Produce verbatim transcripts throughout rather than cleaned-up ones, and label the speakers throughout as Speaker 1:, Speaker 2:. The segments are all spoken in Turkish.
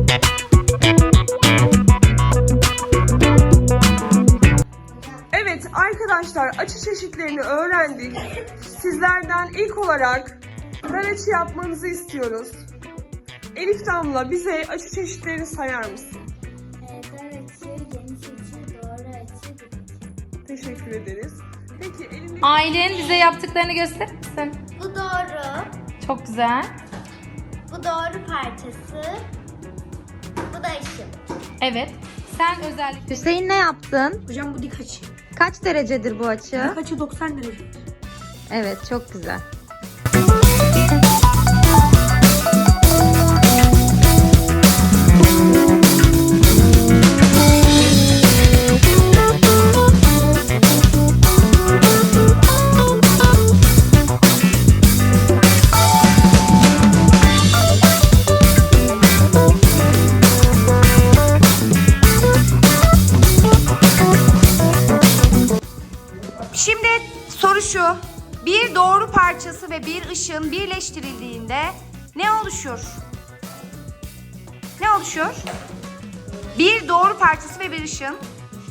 Speaker 1: Evet arkadaşlar, açı çeşitlerini öğrendik. Sizlerden ilk olarak dar açı yapmanızı istiyoruz. Elif Damla, bize açı çeşitlerini sayar mısın?
Speaker 2: Dar açı, geniş açı, doğru açı, dik açı.
Speaker 1: Teşekkür ederiz. Peki elindeki...
Speaker 3: Aylin, bize yaptıklarını gösterir misin?
Speaker 2: Bu doğru.
Speaker 3: Çok güzel.
Speaker 2: Bu doğru parçası. Bu da ışın.
Speaker 3: Evet. Sen özellikle...
Speaker 4: Hüseyin ne yaptın?
Speaker 5: Hocam bu dik açı.
Speaker 4: Kaç derecedir bu açı?
Speaker 5: Dik açı doksan derece.
Speaker 4: Evet, çok güzel.
Speaker 6: Şimdi soru şu. Bir doğru parçası ve bir ışın birleştirildiğinde ne oluşur? Ne oluşur? Bir doğru parçası ve bir ışın.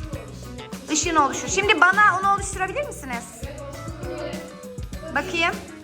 Speaker 6: Işın oluşur. Şimdi bana onu oluşturabilir misiniz? Bakayım.